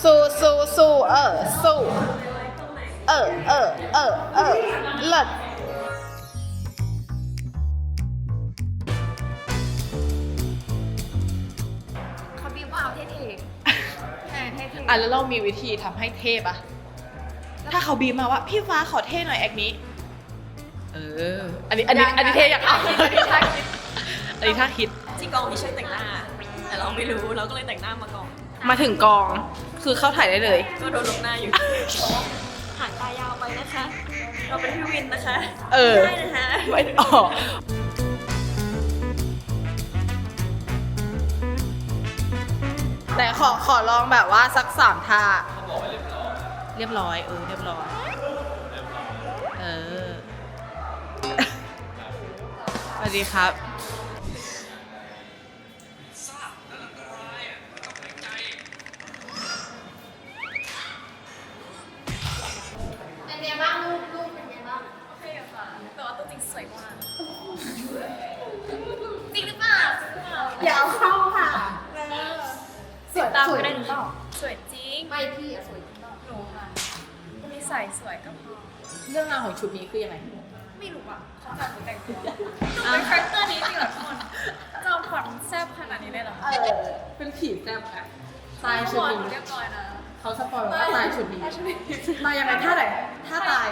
สู้สู้สู้สู้เลิศเขาบีบว่าเอาเท่ๆเท่ๆแล้วเรามีวิธีทำให้เท่ปะถ้าเขาบีบมาว่าพี่ฟ้าขอเท่หน่อยแอคนี้อันนี้เท่อยากเอาอันนี้ถ้าคิดที่กองมีช่วยแต่งหน้าแต่เราไม่รู้เราก็เลยแต่งหน้ามาก่อนมาถึงกองคือเข้าถ่ายได้เลยก็โดนลงหน้าอยู่หางตายาวไปนะคะเราเป็นพี่วินนะคะได้นะคะไม่ออกแต่ขอลองแบบว่าสัก3 ท่าเรียบร้อยเรียบร้อยสวัสดีครับเป็นไงบ้างลูกเป็นไงบ้างโอเคค่ะแต่ว่าตัวจริงสวยมากจริงหรือเปล่าอย่าเอาเข้าค่ะสวยตามไม่ได้หรือเปล่าสวยจริงไม่พี่อะสวยจริงหนูค่ะมีใส่สวยก็พอเรื่องราวของชุดนี้คือยังไงไม่รู้อ่ะเขาจัดหนูแต่งตัวเป็นคาแรคเตอร์นี้จริงเหรอทุกคนจอมขวัญแซ่บขนาดนี้เลยเหรอเป็นผีแซ่บอะตายชุดนี้เรียบร้อยนะเขาสปอยว่าตายชุดนี้มายังไงท่าไหนท่าตาย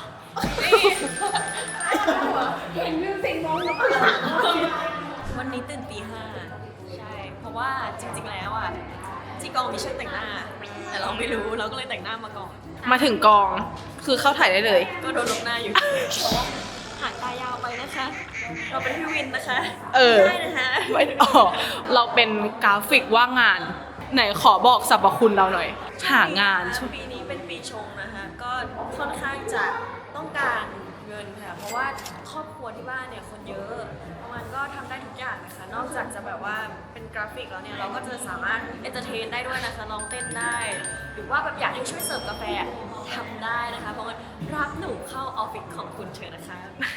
เห็นมิวสิกน้องน้องวันนี้ตื่นตี 5ใช่เพราะว่าจริงๆแล้วอ่ะที่กองมีช่วยแต่งหน้าแต่เราไม่รู้เราก็เลยแต่งหน้ามาก่อนมาถึงกองคือเข้าถ่ายได้เลยก็โดนลงหน้าอยู่หางตายาวไปนะคะเราเป็นพี่วินนะคะได้นะคะไม่ออกเราเป็นกราฟิกว่างงานไหนขอบอกสรรพคุณเราหน่อยหางานปีนี้เป็นปีชงนะคะก็ค่อนข้างจะต้องการเงินค่ะเพราะว่าครอบครัวที่บ้านเนี่ยคนเยอะมันก็ทำได้ทุกอย่างนะคะนอกจากจะแบบว่าเป็นกราฟิกแล้วเนี่ยเราก็จะสามารถเอนเตอร์เทนได้ด้วยนะคะร้องเต้นได้หรือว่าแบบอยากให้ช่วยเสิร์ฟกาแฟทำได้นะคะเพราะว่ารับหนูเข้าออฟฟิศของคุณเชิญนะคะ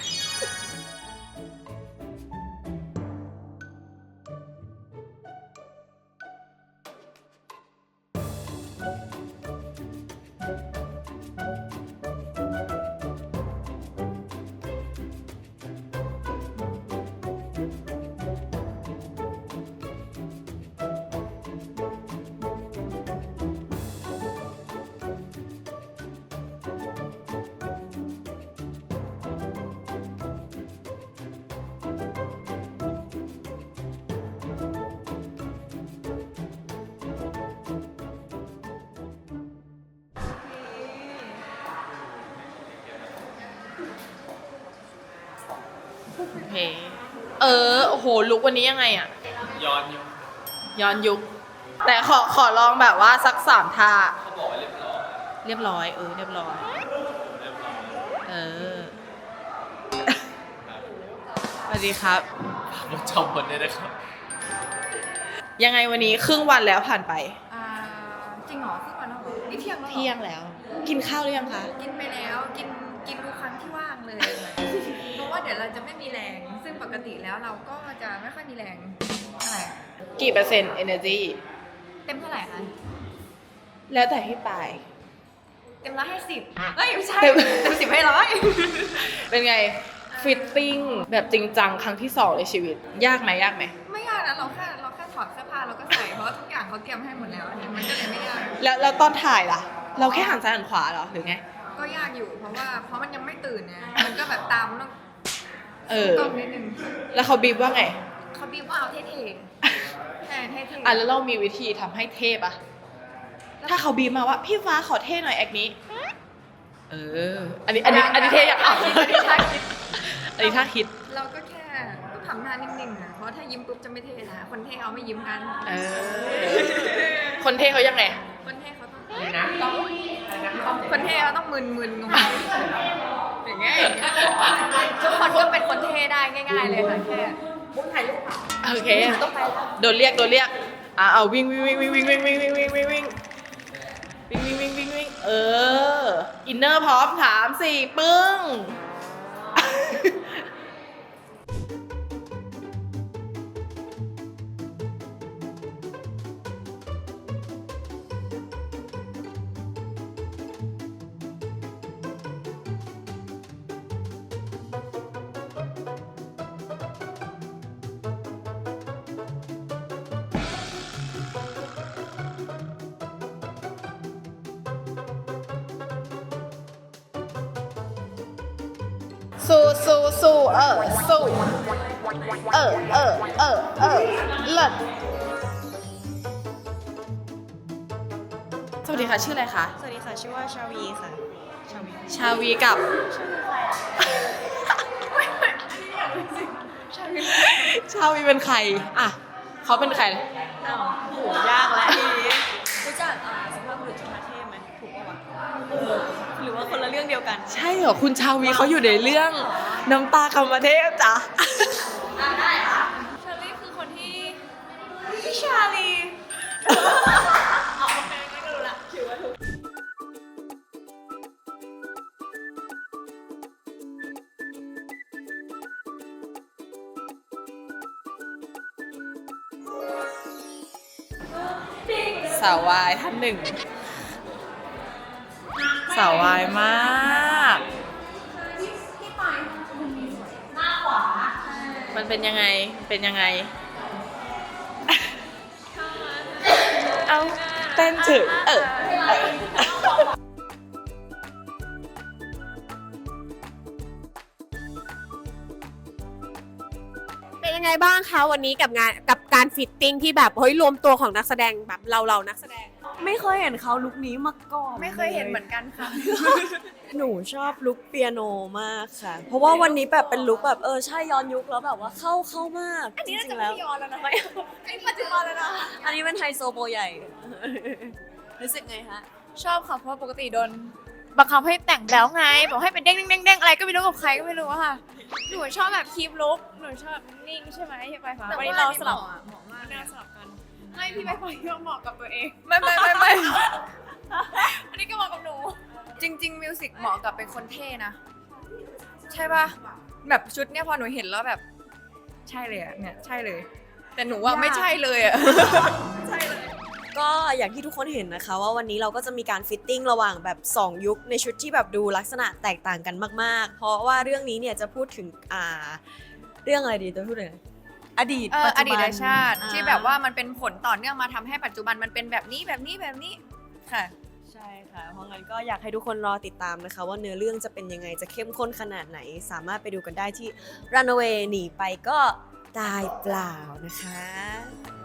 โอเคโอ้โหลุกวันนี้ยังไงอะย้อนยุคแต่ขอลองแบบว่าสัก3 ท่าเขาบอกว่าเรียบร้อยเรียบร้อยสวัสดีครับผมจำวันได้นะครับยังไงวันนี้ครึ่งวันแล้วผ่านไปจริงเหรอครึ่งวันแล้วเหรอนี่เที่ยงแล้วเที่ยงแล้วกินข้าวหรือยังคะกินไปแล้วกินทุกครั้งที่ว่างเลยเพราะว่าเดี๋ยวเราจะไม่มีแรงซึ่งปกติแล้วเราก็จะไม่ค่อยมีแรงอะไรกี่เปอร์เซ็นต์ energy เต็มเท่าไหร่คะแล้วแต่พี่ปายเต็ม100ให้10ไม่ใช่เต็ม10ให้100 เป็นไงฟิตติ้งแบบจริงจังครั้งที่2ในชีวิตยากไหมไม่ยากนะเราแค่ถอดเสื้อผ้าเราก็ใส่เพราะว่าทุกอย่างเขาเตรียมให้หมดแล้วมันก็เลยไม่ยากแล้วตอนถ่ายล่ะเราแค่หันซ้ายหันขวาเหรอหรือไงก็ยากอยู่เพราะมันยังไม่ตื่นไงมันก็แบบตามต้องนิดนึงแล้วเขาบีบว่าไงเขาบีบว่าเอาเท่ๆเท่ๆแล้วเรามีวิธีทำให้เท่ปะถ้าเขาบีบมาว่าพี่ฟ้าขอเท่หน่อยแอคนี้อันนี้เท่อยากเอาอันนี้ถ้าคิดเราก็แค่ต้องทำหน้านิ่งๆนะเพราะถ้ายิ้มปุ๊บจะไม่เท่นะคนเท่เขาไม่ยิ้มกันคนเท่เขายังไงคนเท่เขาต้องคนเท่เขาต้องมึนๆงงอย่างเงี้ยทุกคนก็เป็นคนเท่ได้ง่ายๆเลยค่ะแค่มุ้งถ่ายรูปโอเคโดนเรียกเอาวิ่งอินเนอร์พร้อม3 4ปึ้งสู้สู้สู้สู้เลิศสวัสดีค่ะชื่ออะไรคะสวัสดีค่ะ ชื่อว่าชาวีค่ะชาวีกับ ชาวีเป็นใครอ่ะเขาเป็นใครอ้าวโหยากแล้วทีนี้รู้จักสุภาพบุรุษจุฑาเทพไหมถูกปะวะหรือว่าคนละเรื่องเดียวกันใช่เหรอคุณชาวีเขาอยู่ในเรื่องน้ำตากรรมเทพจ้ะชาลีคือคนที่พี่ชาลีสาววายท่านหนึ่ง สาววายมาก มันเป็นยังไง เป็นยังไง เอาเต้นถึงเป็นยังไงบ้างคะวันนี้กับการฟิตติ้งที่แบบเฮ้ยรวมตัวของนักแสดงแบบเรานักแสดงไม่เคยเห็นเขาลุคนี้มาก่อนไม่เคยเห็นเหมือนกันค่ะหนูชอบลุคเปียโนมากค่ะ เพราะว่าวันนี้แบบเป็นลุคแบบใช่ย้อนยุคแล้วแบบว่าเข้ามากอันนี้น่าจริจะงๆไม่แล้วย้อนแล้วนะอันนี้ปัจจุบันแล้วนะอันนี้เป็นไฮโซโบใหญ่ รู้สึกไงฮะชอบค่ะเพราะปกติโดนบังคับให้แต่งแล้วไงบอกให้เป็นเด้งเด้งเด้งอะไรก็ไม่รู้กับใครก็ไม่รู้อะค่ะหนูชอบแบบคีปลุกหนูชอบนิ่งใช่ไหมพี่ไปฟ้าวันนี้เราสลับเหมาะมากเลยสลับกันไม่พี่ไปฟ้าก็เหมาะกับตัวเองไม่อันนี้ก็เหมาะกับหนู จริงๆมิวสิกเหมาะกับเป็นคนเท่นะ ใช่ป่ะแบบชุดเนี้ยพอหนูเห็นแล้วแบบ ใช่เลยอะเนี่ยใช่เลย แต่หนูว่าไม่ใช่เลยอะก็อย่างที่ทุกคนเห็นนะคะว่าวันนี้เราก็จะมีการฟิตติ้งระหว่างแบบ 2 ยุคในชุดที่แบบดูลักษณะแตกต่างกันมากๆ เพราะว่าเรื่องนี้เนี่ยจะพูดถึงเรื่องอะไรดีจะพูดถึงอะไรอดีตปัจอจุดีบัตนชาติที่แบบว่ามันเป็นผลต่อเนื่องมาทำให้ปัจจุบันมันเป็นแบบนี้ค่ะใช่ค่ะ เพราะงั้นก็อยากให้ทุกคนรอติดตามนะคะ ว่าเนื้อเรื่องจะเป็นยังไงจะเข้มข้นขนาดไหน สามารถไปดูกันได้ที่ Runaway หนีไปก็ตายเปล่านะคะ